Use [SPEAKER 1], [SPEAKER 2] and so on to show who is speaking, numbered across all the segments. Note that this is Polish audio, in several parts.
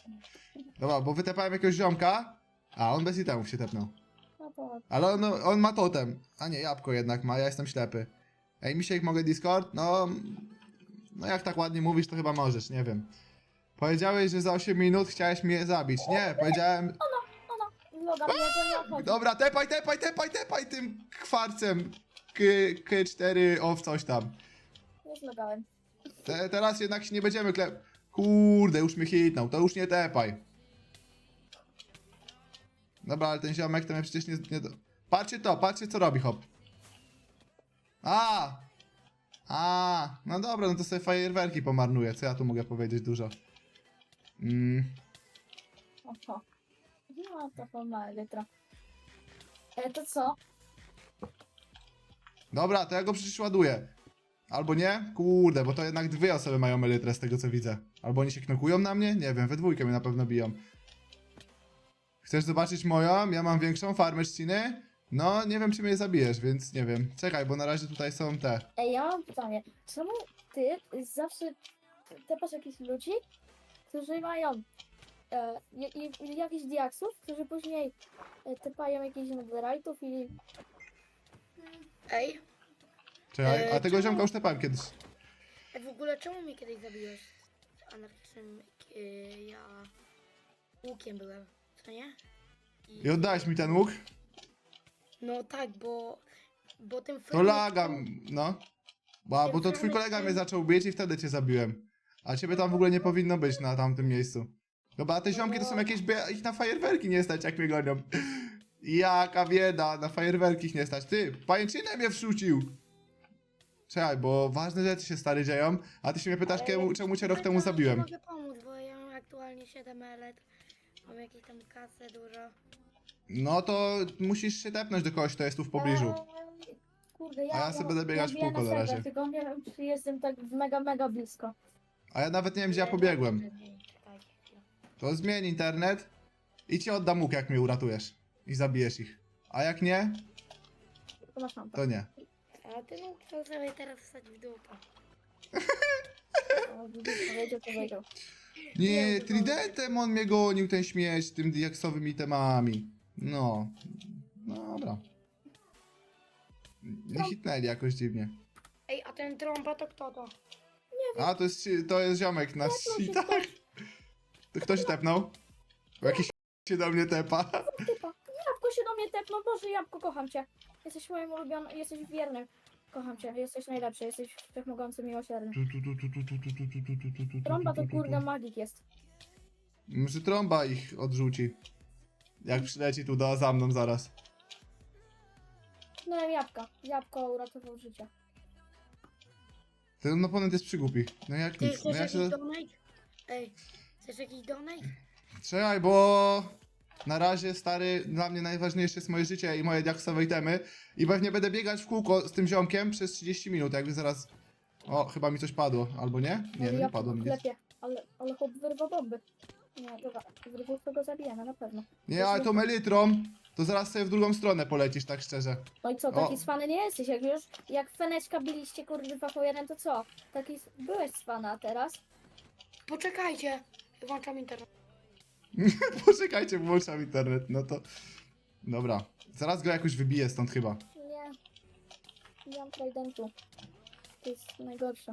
[SPEAKER 1] Dobra, bo wytepałem jakiegoś ziomka, a on bez itemów się tepnął.
[SPEAKER 2] No to
[SPEAKER 1] Ale on ma totem. A nie, jabłko jednak ma, ja jestem ślepy. Ej, Misiek, mogę Discord? No jak tak ładnie mówisz, to chyba możesz, nie wiem. Powiedziałeś, że za 8 minut chciałeś mnie zabić. Nie, powiedziałem...
[SPEAKER 2] loga mnie to nie obchodzi.
[SPEAKER 1] Dobra, tepaj tym kwarcem. K4 of coś tam.
[SPEAKER 2] Nie zlogałem.
[SPEAKER 1] Teraz jednak się nie będziemy Kurde, już mnie hitnął, to już nie tepaj. Dobra, ale ten ziomek to mnie przecież nie... Patrzcie co robi, hop. No dobra, no to sobie fajerwerki pomarnuję, co ja tu mogę powiedzieć dużo.
[SPEAKER 2] Oho. No to forma litra. To co?
[SPEAKER 1] Dobra, to ja go przecież ładuję. Albo nie? Kurde, bo to jednak dwie osoby mają elytrę z tego co widzę. Albo oni się knokują na mnie? Nie wiem, we dwójkę mnie na pewno biją. Chcesz zobaczyć moją? Ja mam większą farmę trzciny. No, nie wiem czy mnie zabijesz, więc nie wiem. Czekaj, bo na razie tutaj są te.
[SPEAKER 2] Ej, ja mam pytanie. Czemu ty zawsze tepasz jakichś ludzi, którzy mają jakichś diaksów, którzy później tepają jakichś netherite'ów i...
[SPEAKER 3] Ej,
[SPEAKER 1] Czekaj, a tego
[SPEAKER 3] czemu?
[SPEAKER 1] ziomka już tepałem kiedyś.
[SPEAKER 3] w ogóle czemu mnie kiedyś zabiłeś z anarchistem? Ja łukiem byłem, co nie?
[SPEAKER 1] I oddałeś mi ten łuk?
[SPEAKER 3] No tak, bo tym
[SPEAKER 1] To lagam, no. Bo to twój kolega mnie zaczął bić i wtedy cię zabiłem. A ciebie tam w ogóle nie powinno być na tamtym miejscu. Dobra, a te ziomki to są jakieś... Ich na fajerwerki nie stać, jak mnie gonią. Jaka bieda, na fajerwerki ich nie stać. Ty, pajęczynę mnie wrzucił. Czekaj, bo ważne rzeczy się stary dzieją, a ty się mnie pytasz, czemu cię rok temu zabiłem.
[SPEAKER 3] Mogę pomóc, bo ja mam aktualnie 7 elet. Mam jakieś tam kasę dużo.
[SPEAKER 1] No to musisz się tepnąć do kogoś, kto jest tu w pobliżu.
[SPEAKER 2] Kurde,
[SPEAKER 1] A ja sobie będę biegać w
[SPEAKER 2] biję
[SPEAKER 1] kółko na
[SPEAKER 2] serwer,
[SPEAKER 1] razie.
[SPEAKER 2] tylko nie wiem, czy jestem tak mega blisko.
[SPEAKER 1] A ja nawet nie wiem, gdzie ja pobiegłem.
[SPEAKER 3] Czekajcie chwilę.
[SPEAKER 1] To zmień internet i ci oddam łuk, jak mnie uratujesz. I zabijesz ich. A jak nie,
[SPEAKER 2] To masz mam
[SPEAKER 1] to nie.
[SPEAKER 3] A ty mógł to sobie teraz wstać w dupę.
[SPEAKER 2] Powiedział.
[SPEAKER 1] Nie, tridentem on mnie gonił, ten śmieć, tym diaksowymi temami. No. Dobra. Nie hitnęli jakoś dziwnie.
[SPEAKER 3] Ej, a ten trąba to kto to?
[SPEAKER 1] A, to jest ziomek na
[SPEAKER 2] się
[SPEAKER 1] tak. To kto się tepnął? Bo jakiś się do mnie tepa.
[SPEAKER 2] Typa, jabłko się do mnie tepnął, Boże, jabłko, kocham cię. Jesteś moim ulubionym, jesteś wiernym. Kocham cię, jesteś najlepszy, jesteś wszechmogący, miłosierny. Trąba to kurde magik jest.
[SPEAKER 1] Może trąba ich odrzuci. Jak przyleci tu za mną zaraz.
[SPEAKER 2] No jabłka, jabłko uratował życie.
[SPEAKER 1] Ten oponent jest przygłupi. No jak
[SPEAKER 3] Ty
[SPEAKER 1] nic. No
[SPEAKER 3] chcesz
[SPEAKER 1] ja
[SPEAKER 3] jakiś
[SPEAKER 1] się...
[SPEAKER 3] donate? Ej, chcesz jakiś donate?
[SPEAKER 1] Czekaj, bo... Na razie, stary, dla mnie najważniejsze jest moje życie i moje diaksowe itemy. I pewnie będę biegać w kółko z tym ziomkiem przez 30 minut, jakby zaraz... O, chyba mi coś padło, albo nie? Nie, no nie padło mi nic.
[SPEAKER 2] Klepie, ale chłop wyrwał bomby. Nie, dobra, wyrwał to go zabijemy, na pewno.
[SPEAKER 1] Nie, ale tą elytrą, to zaraz sobie w drugą stronę polecisz, tak szczerze.
[SPEAKER 2] No i co, taki cwany nie jesteś, jak Feneczka biliście kurwa po jeden, to co? Taki byłeś cwana, a teraz?
[SPEAKER 3] Poczekajcie, włączam internet.
[SPEAKER 1] Poczekajcie, włączam internet, no to... Dobra, zaraz go jakoś wybiję stąd chyba.
[SPEAKER 2] Nie. Nie mam tridentu. To jest najgorsze.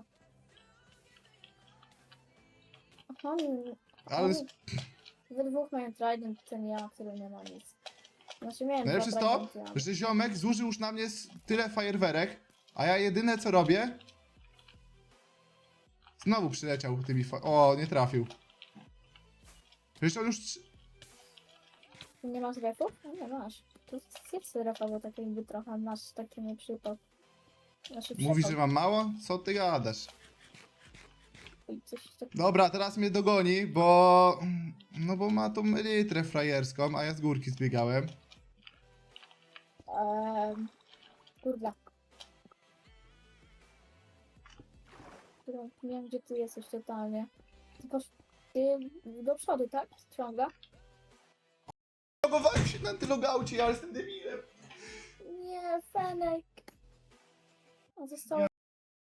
[SPEAKER 2] Aha,
[SPEAKER 1] Ale
[SPEAKER 2] we dwóch mają trident, ten ja, który nie ma nic. Znaczy miałem
[SPEAKER 1] najlepsze jest
[SPEAKER 2] dwa
[SPEAKER 1] to,
[SPEAKER 2] tridenty, ale...
[SPEAKER 1] że ziomek zużył już na mnie tyle fajerwerek, a ja jedyne co robię... Znowu przyleciał tymi O, nie trafił. Przecież on już...
[SPEAKER 2] Nie masz refów? No nie masz. To zjedz sobie refa, bo tak jakby trochę masz taki nieprzypał. Znaczy
[SPEAKER 1] Mówisz, że
[SPEAKER 2] przypał.
[SPEAKER 1] mam mało? Co ty gadasz?
[SPEAKER 2] I coś tak...
[SPEAKER 1] Dobra, teraz mnie dogoni, bo... No bo ma tą elytrę frajerską, a ja z górki zbiegałem.
[SPEAKER 2] Kurwa. Nie wiem, gdzie ty jesteś totalnie. Ty do przodu, tak? Ciąga?
[SPEAKER 1] Logowałem się na antylogaucie, ale jestem debilem.
[SPEAKER 2] Nie, Fenek. A zostało